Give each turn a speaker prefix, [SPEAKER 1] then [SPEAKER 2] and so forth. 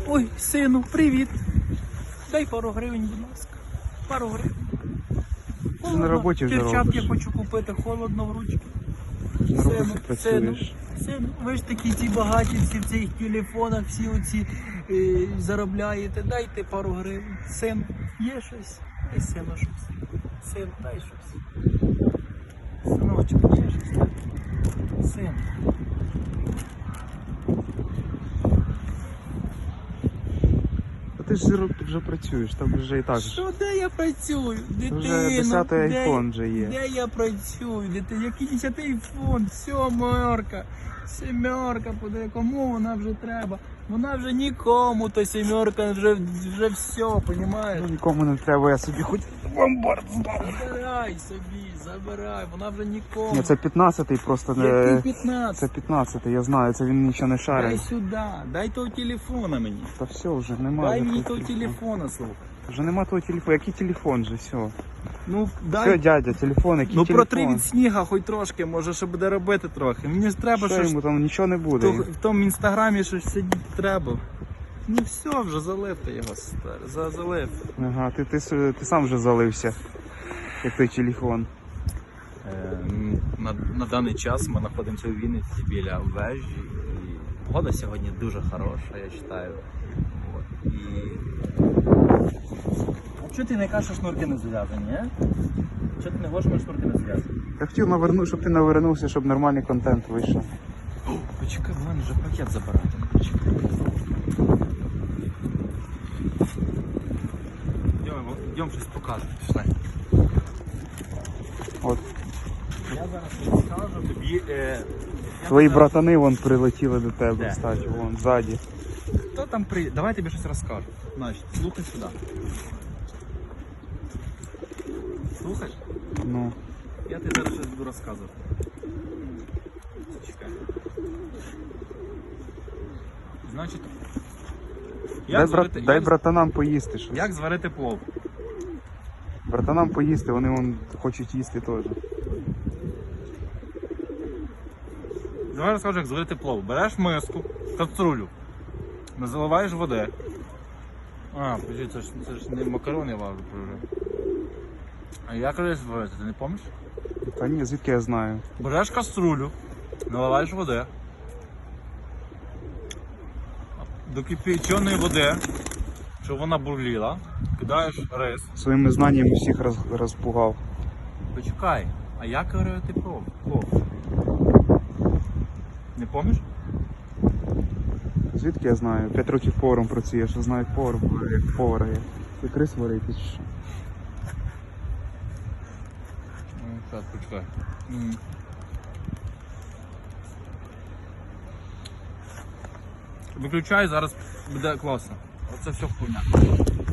[SPEAKER 1] Ой, сину, привіт. Дай пару гривень, будь ласка. Пару гривень.
[SPEAKER 2] Ти на роботі вже
[SPEAKER 1] Перчатки
[SPEAKER 2] робиш.
[SPEAKER 1] хочу купити, холодно в ручки.
[SPEAKER 2] На роботі працюєш.
[SPEAKER 1] Сину, ви ж такі ці багаті, всі в цих телефонах, всі оці заробляєте. Дайте пару гривень. Син, є щось? Дай сину щось. Син, дай щось. Синочок, є щось? Дай. Син.
[SPEAKER 2] А ти ж вже працюєш, там вже і так.
[SPEAKER 1] Що, де я працюю? Дитино,
[SPEAKER 2] Вже 10-й айфон вже є.
[SPEAKER 1] Де я працюю? Дитино, який 10-й айфон? Сьомерка. Семерка, подай, кому вона вже треба? Вона вже нікому, то сімерка вже все, понімаєш?
[SPEAKER 2] Ну, нікому не треба, я собі хоч ломбард здав.
[SPEAKER 1] Забирай собі, забирай, вона вже нікому.
[SPEAKER 2] Ні, це 15-й просто не.
[SPEAKER 1] Який 15?
[SPEAKER 2] Це 15-й, я знаю, це він нічого не
[SPEAKER 1] Дай
[SPEAKER 2] шарить.
[SPEAKER 1] сюди, дай того телефона мені.
[SPEAKER 2] Та все, вже немає.
[SPEAKER 1] Дай мені того телефона, слухай.
[SPEAKER 2] Вже нема того телефону. Який телефон же, все.
[SPEAKER 1] Ну, дай.
[SPEAKER 2] Все, дядя, телефон, який
[SPEAKER 1] Ну
[SPEAKER 2] телефон?
[SPEAKER 1] протри від сніга хоч трошки, може що буде робити трохи. Мені ж треба
[SPEAKER 2] Що
[SPEAKER 1] щось.
[SPEAKER 2] йому там нічого не буде.
[SPEAKER 1] В тому інстаграмі щось сидіти треба. Ну все, вже залив ти його, залив.
[SPEAKER 2] Ага, ти сам вже залився, як той телефон.
[SPEAKER 1] На даний час ми знаходимося у Вінниці біля вежі. І погода сьогодні дуже хороша, я вважаю. І... А чого ти не кажеш, що шнурки не зав'язані, а? Чого ти не говориш, що шнурки не зав'язані?
[SPEAKER 2] Я хотів щоб ти навернувся, щоб нормальний контент вийшов.
[SPEAKER 1] Почекай, в мене вже пакет забирати. Почекай. Йдемо щось покажемо. Пішли.
[SPEAKER 2] От.
[SPEAKER 1] Я зараз розкажу тобі.
[SPEAKER 2] Твої братани вон прилетіли до тебе,
[SPEAKER 1] Де?
[SPEAKER 2] кстати, вон, ззаді.
[SPEAKER 1] Хто там приїде? Давай я тобі щось розкажу. Значить, слухай сюди. Слухай?
[SPEAKER 2] Ну.
[SPEAKER 1] Я тобі зараз щось буду розказувати. Чекай. Значить,
[SPEAKER 2] Дай братанам поїсти щось.
[SPEAKER 1] як зварити плов?
[SPEAKER 2] Братанам поїсти, вони вон хочуть їсти теж.
[SPEAKER 1] Давай розкажу, як зварити плов. Береш миску, каструлю, заливаєш води. Подожди, це ж не макарони важу вже. А як рис варити, ти не пам'ятаєш?
[SPEAKER 2] Та ні, звідки я знаю.
[SPEAKER 1] Береш каструлю, наливаєш води. До кипяченої води, щоб вона бурліла, кидаєш рис.
[SPEAKER 2] Своїми знаннями всіх розпугав.
[SPEAKER 1] Почекай, а як варити плов? Не пам'ятаєш?
[SPEAKER 2] Звідки я знаю? 5 років поваром працюю, я що знаю як повара є. Ти рис варити чи що?
[SPEAKER 1] Так, почекай. Виключай, зараз буде класно. Оце все хуйня.